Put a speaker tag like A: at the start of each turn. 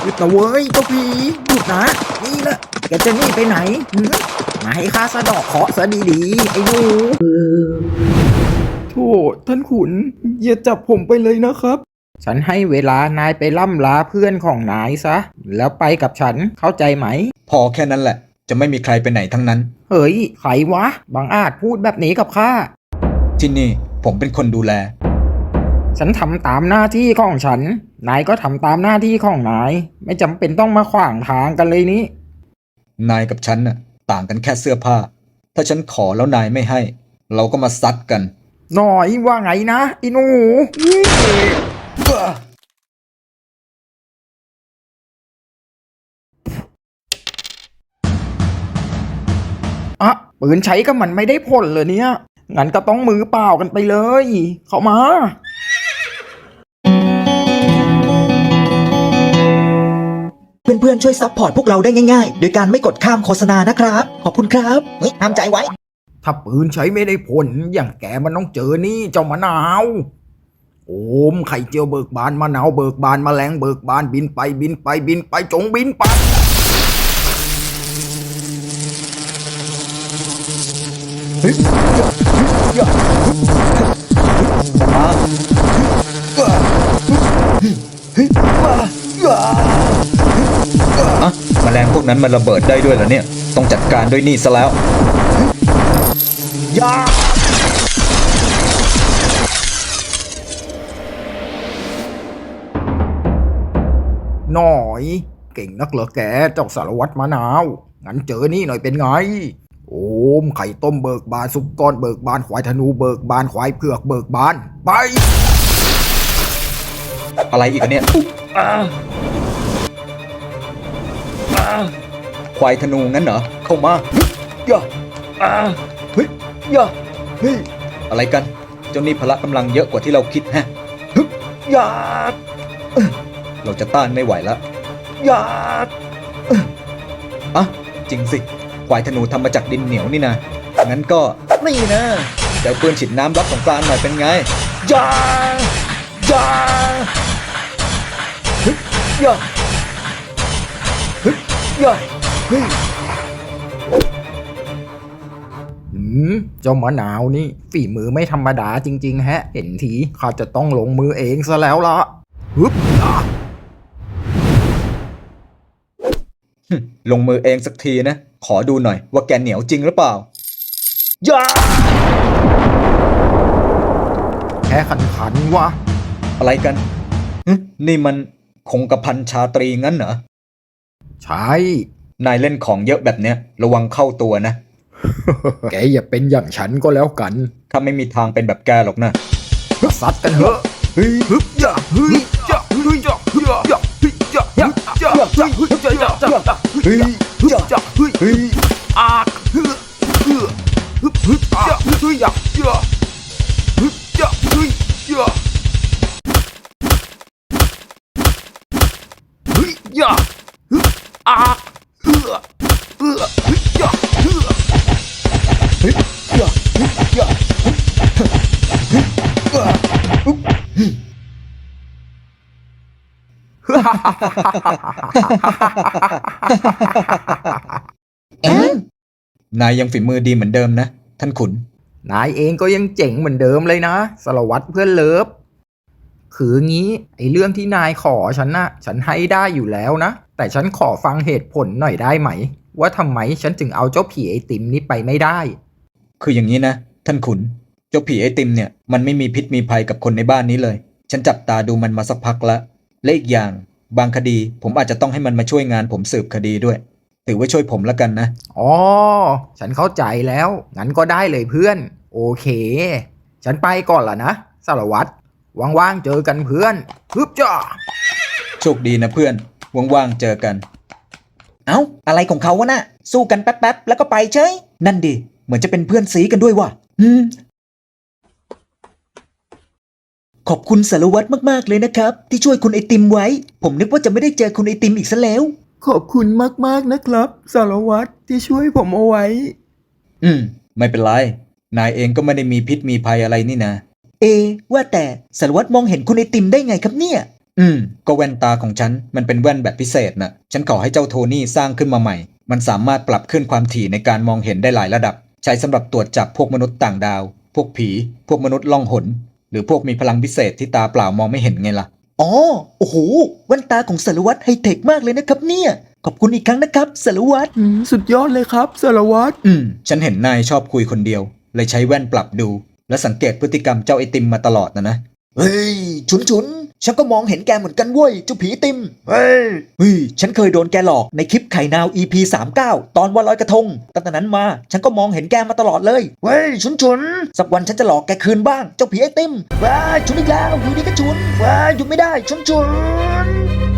A: ยุดนะเว้ยเจ้าผีหยุดนะนี่แหละแกจะหนีไปไหนมาให้ข้าสะดอกเคราะห์ซะดีๆไอ้หนูโธ่ท่านขุนอย่าจับผมไปเลยนะครับฉันให้เวลานายไปล่ำลาเพื่อนของนายซะแล้วไปกับฉันเข้าใจไหม
B: พอแค่นั้นแหละจะไม่มีใครไปไหนทั้งนั้น
A: เฮ้ยใครวะบังอาจพูดแบบนี้กับข้า
B: ที่นี่ผมเป็นคนดูแล
A: ฉันทำตามหน้าที่ของฉันนายก็ทำตามหน้าที่ของนายไม่จำเป็นต้องมาขวางทางกันเลยนี้
B: นายกับฉันน่ะต่างกันแค่เสื้อผ้าถ้าฉันขอแล้วนายไม่ให้เราก็มาซัดกัน
A: หน่อยว่าไงนะไอ้หนูอะปืนใช้ก็มันไม่ได้ผลเลยเนี่ยงั้นก็ต้องมือเปล่ากันไปเลยเข้ามา
C: เพื่อนๆช่วยซัพพอร์ตพวกเราได้ง่ายๆโดยการไม่กดข้ามโฆษณานะครับขอบคุณครับห้ามใจไว้
A: ถ้าปืนใช้ไม่ได้ผลอย่างแกมันต้องเจอนี่เจ้ามะนาวโอมไข่เจียวเบิกบานมะนาวเบิกบานแมลงเบิกบานบินไปบินไปบินไปจงบินไป
B: แมลงพวกนั้นมันระเบิดได้ด้วยเหรอเนี่ยต้องจัดการด้วยนี่ซะแล้ว
A: หน่อยเก่งนักเหรอแกเจ้าสารวัตรมะนาวงั้นเจอนี่หน่อยเป็นไงโอมไข่ต้มเบิกบานซุปก้อนเบิกบานควายธนูเบิกบานควายเผือกเบิกบานไป
B: อะไรอีกเนี่ยควายธนูงั้นเหรอเข้ามาย่าเฮ้ยย่าเฮ้ยอะไรกันเจ้านี่พละกำลังเยอะกว่าที่เราคิดฮะย่าเราจะต้านไม่ไหวแล้วย่าอ่ะจริงสิควายธนูทำมาจากดินเหนียวนี่นะงั้นก็นี่นะเดี๋ยวปืนฉีดน้ำรับสงกรานต์หน่อยเป็นไงย่าย่าเฮ้ยย่าเฮ้ยย่าเฮ้ย
A: เจ้ามะนาวนี่ฝีมือไม่ธรรมดาจริงๆฮะเห็นทีข้าจะต้องลงมือเองซะแล้วล่ะฮึบ
B: ลงมือเองสักทีนะขอดูหน่อยว่าแกเหนียวจริงหรือเปล่าย่า
A: แค่ขันวะ
B: อะไรกันนี่มันคงกระพันชาตรีงั้นเหรอ
A: ใช่
B: นายเล่นของเยอะแบบเนี้ยระวังเข้าตัวนะ
A: แกอย่าเป็นอย่างฉันก็แล้วกัน
B: ข้าไม่มีทางเป็นแบบแกหรอกนะ
A: ซัดกันเถอะเฮ้ยฮึบย่าเฮ้ยย่าเฮ้ยย่าเฮ้ยย่าเฮ้ยย่าย่าย่าย่าเฮ้ยย่าย่าเฮ้ยย่าเฮ้ยเฮ้ยอาเฮ้ยเฮ้ยฮึบฮึบย่าเฮ้ยย่าย่าฮึบย่าเฮ้ยย่าเฮ้ยย่าฮึบอาเฮ้ยเฮ้ยย่าเฮ้ย
B: เฮ้ยย่าเฮ้ยย่านายยังฝีมือดีเหมือนเดิมนะท่านขุน
A: นายเองก็ยังเจ๋งเหมือนเดิมเลยนะสารวัตรเพื่อนเลิฟคืองี้ไอ้เรื่องที่นายขอฉันนะฉันให้ได้อยู่แล้วนะแต่ฉันขอฟังเหตุผลหน่อยได้ไหมว่าทำไมฉันถึงเอาเจ้าผีไอติมนี้ไปไม่ได้
B: คืออย่างนี้นะท่านขุนเจ้าผีไอติมเนี่ยมันไม่มีพิษมีภัยกับคนในบ้านนี้เลยฉันจับตาดูมันมาสักพักละและอีกอย่างบางคดีผมอาจจะต้องให้มันมาช่วยงานผมสืบคดีด้วยถือว่าช่วยผมแล้วกันนะ
A: อ๋อฉันเข้าใจแล้วงั้นก็ได้เลยเพื่อนโอเคฉันไปก่อนละนะสารวัตรว่างๆเจอกันเพื่อนฮึบจ้า
B: โชคดีนะเพื่อนว่างๆเจอกัน
C: เอ้าอะไรของเขาวะน่ะสู้กันแป๊บๆแล้วก็ไปเฉยนั่นดิเหมือนจะเป็นเพื่อนสีกันด้วยว่ะขอบคุณสารวัตรมากๆเลยนะครับที่ช่วยคุณไอติมไว้ผมนึกว่าจะไม่ได้เจอคุณไอติมอีกซะแล้ว
A: ขอบคุณมากๆนะครับสารวัตรที่ช่วยผมเอาไว้
B: ไม่เป็นไรนายเองก็ไม่ได้มีพิษมีภัยอะไรนี่นะ
C: ว่าแต่สารวัตรมองเห็นคุณไอติมได้ไงครับเนี่ย
B: ก็แว่นตาของฉันมันเป็นแว่นแบบพิเศษนะฉันขอให้เจ้าโทนี่สร้างขึ้นมาใหม่มันสามารถปรับขึ้นความถี่ในการมองเห็นได้หลายระดับใช้สำหรับตรวจจับพวกมนุษย์ต่างดาวพวกผีพวกมนุษย์ล่องหนหรือพวกมีพลังพิเศษที่ตาเปล่ามองไม่เห็นไงล่ะ
C: อ๋อโอ้โหแว่นตาของสารวัตรไฮเทคมากเลยนะครับเนี่ยขอบคุณอีกครั้งนะครับสารวัตร
A: สุดยอดเลยครับสารวัตร
B: ฉันเห็นนายชอบคุยคนเดียวเลยใช้แว่นปรับดูและสังเกตพฤติกรรมเจ้าไอติมมาตลอดนะ
C: เฮ้ยฉุนฉันก็มองเห็นแกเหมือนกันเว้ยเจ้าผีติมเฮ้ยฉันเคยโดนแกหลอกในคลิปไข่นาว EP 39ตอนวันลอยกระทงตั้งแต่นั้นมาฉันก็มองเห็นแกมาตลอดเลยเฮ้ยฉุนสักวันฉันจะหลอกแกคืนบ้างเจ้าผีไอติมว้าฉุนอีกแล้วอยู่ดีก็ฉุนว้าหยุดไม่ได้ฉุน